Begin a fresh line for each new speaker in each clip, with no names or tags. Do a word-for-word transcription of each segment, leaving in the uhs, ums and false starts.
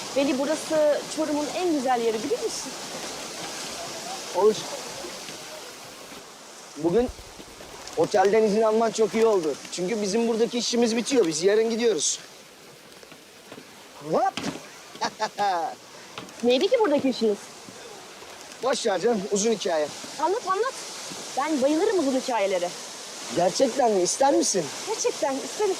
Veli, burası Çorum'un en güzel yeri, biliyor musun?
Olur. Bugün otelden izin alman çok iyi oldu. Çünkü bizim buradaki işimiz bitiyor. Biz yarın gidiyoruz. Hop!
Neydi ki buradaki işiniz?
Boş ver canım, uzun hikaye.
Anlat anlat. Ben bayılırım uzun hikayelere.
Gerçekten mi? İster misin?
Gerçekten isterim.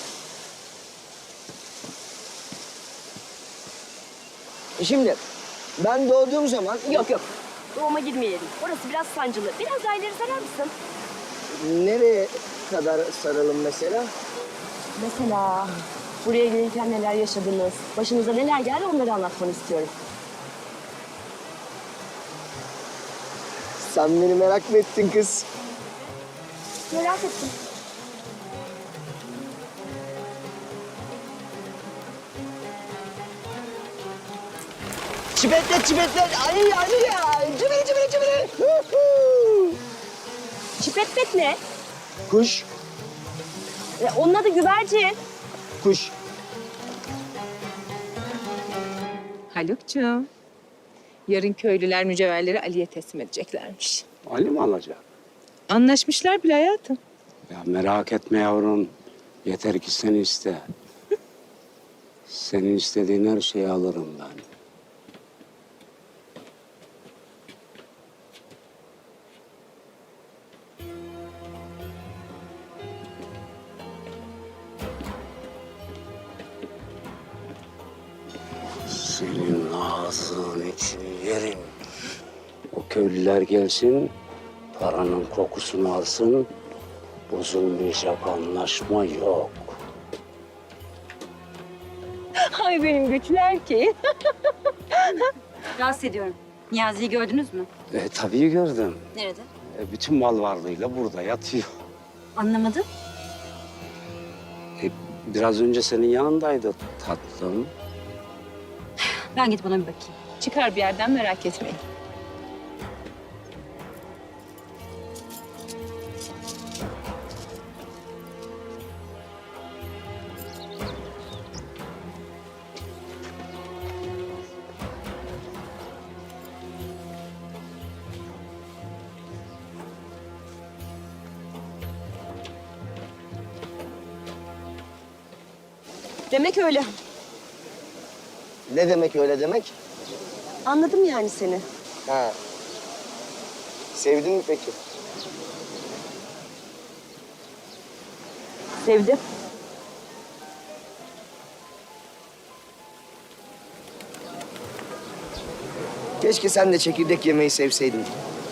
Şimdi ben doğduğum zaman...
Yok yok. Doğuma girmeyelim. Orası biraz sancılı. Biraz daha ileri sarar mısın?
Nereye kadar saralım mesela?
Mesela buraya gelirken neler yaşadınız, başınıza neler geldi onları anlatmanı istiyorum.
Sen beni merak mı ettin kız?
Merak ettim.
Çipetlet çipetlet. Ay ay ya. Cibili cibili cibili. Hu hu.
Çipetpet ne?
Kuş.
E, onun adı güvercin.
Kuş.
Haluk'cuğum, yarın köylüler mücevherleri Ali'ye teslim edeceklermiş.
Ali mi alacak?
Anlaşmışlar bile hayatım.
Ya merak etme yavrum. Yeter ki sen iste. Senin istediğin her şeyi alırım ben. Senin ağzın için yerim. O köylüler gelsin, paranın kokusunu alsın. Bozulmayacak anlaşma yok.
Ay benim güçlü erkeğim.
Rahatsız ediyorum. Niyazi'yi gördünüz mü?
E, tabii gördüm.
Nerede?
E, bütün mal varlığıyla burada yatıyor.
Anlamadım.
E, biraz önce senin yanındaydı tatlım.
Ben gidip ona bir bakayım.
Çıkar bir yerden merak etmeyin.
Demek öyle.
Ne demek öyle demek?
Anladım yani seni.
Ha. Sevdin mi peki?
Sevdim.
Keşke sen de çekirdek yemeyi sevseydin.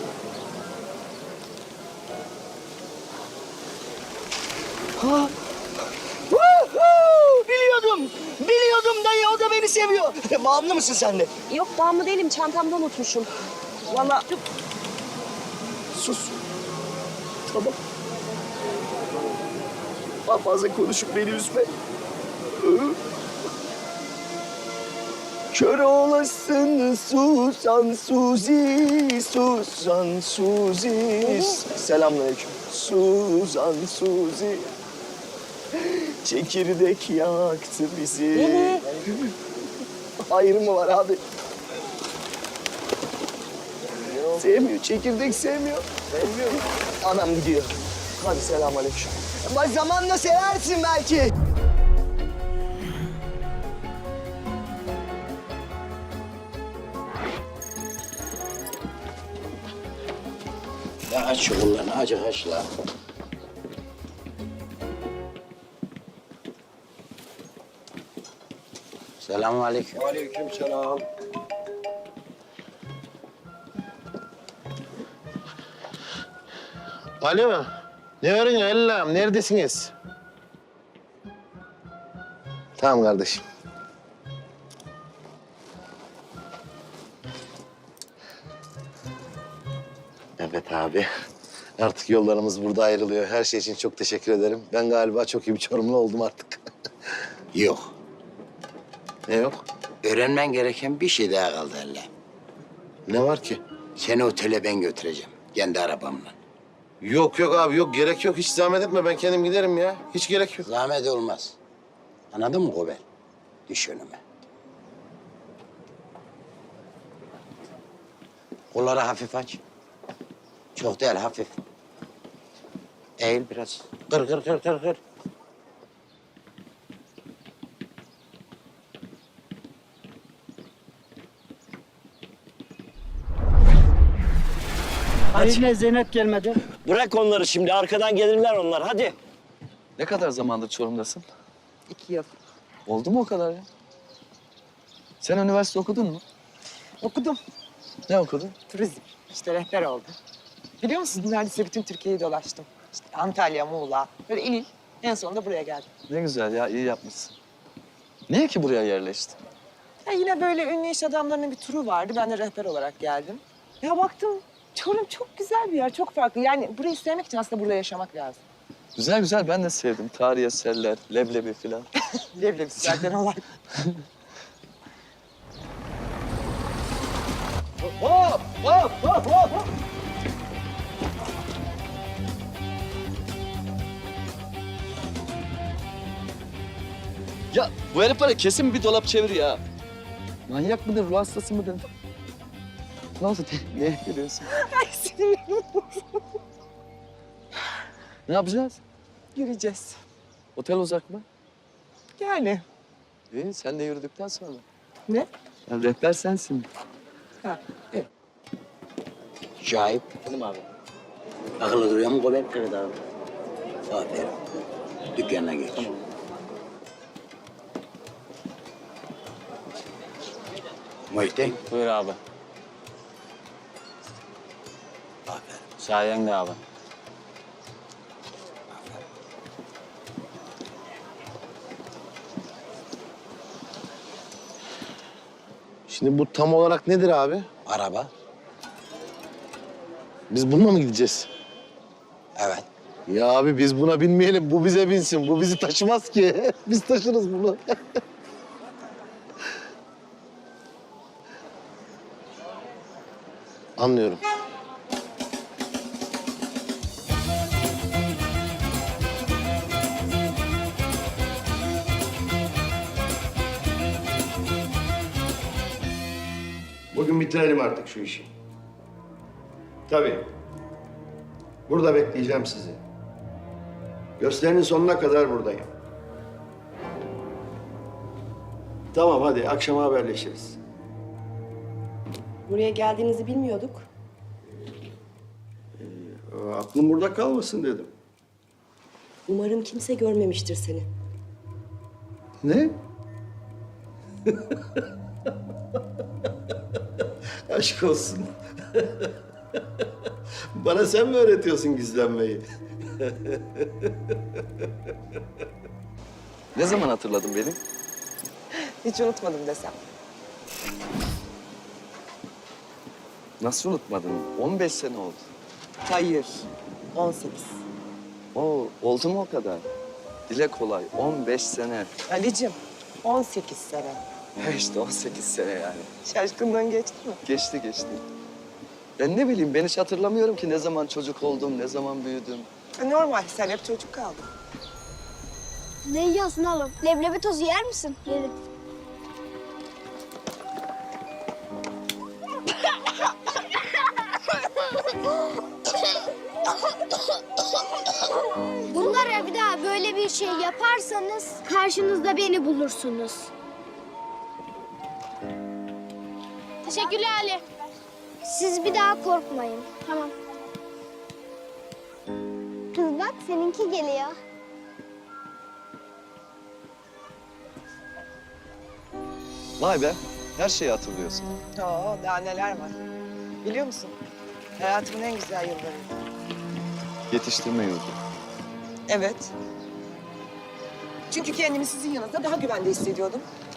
Ha! Woohoo! Biliyordum! Biliyordum dayı, o da beni seviyor. Bağımlı mısın sen de?
Yok, bağımlı değilim. Çantamda unutmuşum. Vallahi
Sus. Tamam. Daha fazla konuşup beni üzme. Kör olasın Susan Suzi, Susan Suzi. Selamünaleyküm. Susan Suzi. Çekirdek yaktı bizi.
Veli.
Ayrı mı var abi? Sevmiyor, çekirdek sevmiyor. Sevmiyor. Anam gidiyor. Hadi selamünaleyküm. Ama zamanla seversin belki.
Ya aç şu kollarını, acık aç la. Selamünaleyküm.
Aleykümselam.
Alo. Ne arıyorsun Allah'ım? Neredesiniz? Tamam kardeşim. Evet abi. Artık yollarımız burada ayrılıyor. Her şey için çok teşekkür ederim. Ben galiba çok iyi bir Çorumlu oldum artık.
Yok.
Ne yok?
Öğrenmen gereken bir şey daha kaldı Allah'ım.
Ne var ki?
Seni otele ben götüreceğim. Kendi arabamla.
Yok yok abi yok. Gerek yok. Hiç zahmet etme. Ben kendim giderim ya. Hiç gerek yok.
Zahmet olmaz. Anladın mı Gobel? Düş önüme. Kolları hafif aç. Çok değil, hafif. Eğil biraz. Kır, kır, kır, kır, kır.
Yine Zeynep gelmedi. Bırak onları şimdi. Arkadan gelirler onlar. Hadi.
Ne kadar zamandır Çorum'dasın?
İki yıl.
Oldu mu o kadar ya? Sen üniversite okudun mu?
Okudum.
Ne okudun?
Turizm. İşte rehber oldum. Biliyor musunuz neredeyse bütün Türkiye'yi dolaştım. İşte Antalya, Muğla, böyle il il. En sonunda buraya geldim.
Ne güzel ya, iyi yapmışsın. Niye ki buraya yerleştin?
Ya yine böyle ünlü iş adamlarının bir turu vardı. Ben de rehber olarak geldim. Ya baktım Çorum çok güzel bir yer, çok farklı. Yani burayı sevmek için aslında burada yaşamak lazım.
Güzel güzel, ben de sevdim. Tarihi eserler, leblebi falan.
Leblebi zaten olay.
Hop, hop, hop, hop, hop.
Ya bu herif var ya, kesin bir dolap çevir ya. Manyak mıdır, ruh hastası mıdır? Ne oldu? Ne gülüyorsun?
Ay sinirlerim.
Ne yapacağız?
Yürüyeceğiz.
Otel uzak mı?
Yani.
İyi, sen de yürüdükten sonra.
Ne?
Ya rehber sensin.
Ha, evet.
Şahip. Benim abi. Akıllı duruyor mu Gober? Evet abi. Aferin. Dükkanına geç. Tamam. Muhittin.
Buyur abi.
Aferin.
Sayende abi.
Şimdi bu tam olarak nedir abi?
Araba.
Biz bununla mı gideceğiz?
Evet.
Ya abi biz buna binmeyelim. Bu bize binsin. Bu bizi taşımaz ki. Biz taşırız bunu. Anlıyorum.
Bugün bitirelim artık şu işi. Tabii. Burada bekleyeceğim sizi. Gösterinin sonuna kadar buradayım. Tamam hadi akşama haberleşiriz.
Buraya geldiğinizi bilmiyorduk.
Ee, aklım burada kalmasın dedim.
Umarım kimse görmemiştir seni.
Ne? Aşk olsun. Bana sen mi öğretiyorsun gizlenmeyi?
Ne zaman hatırladın beni?
Hiç unutmadım desem.
Nasıl unutmadın? on beş sene oldu.
Hayır. on sekiz.
Oo, oldu mu o kadar? Dile kolay, on beş sene.
Ali'cim on sekiz sene.
He işte on sekiz sene yani.
Şaşkınlığın geçti mi?
Geçti geçti. Ben ne bileyim, ben hiç hatırlamıyorum ki ne zaman çocuk oldum, ne zaman büyüdüm.
E, Normal, sen hep çocuk kaldın.
Ne yiyorsun oğlum? Leblebi tozu yer misin? Yerim. Bunlara bir daha böyle bir şey yaparsanız karşınızda beni bulursunuz. Teşekkürler Ali. Siz bir daha korkmayın. Tamam. Kız bak seninki geliyor.
Vay be, her şeyi hatırlıyorsun.
Oo, daha neler var. Biliyor musun? Hayatımın en güzel yıllarıydı.
Yetiştirme yurdu.
Evet. Çünkü kendimi sizin yanınızda daha güvende hissediyordum.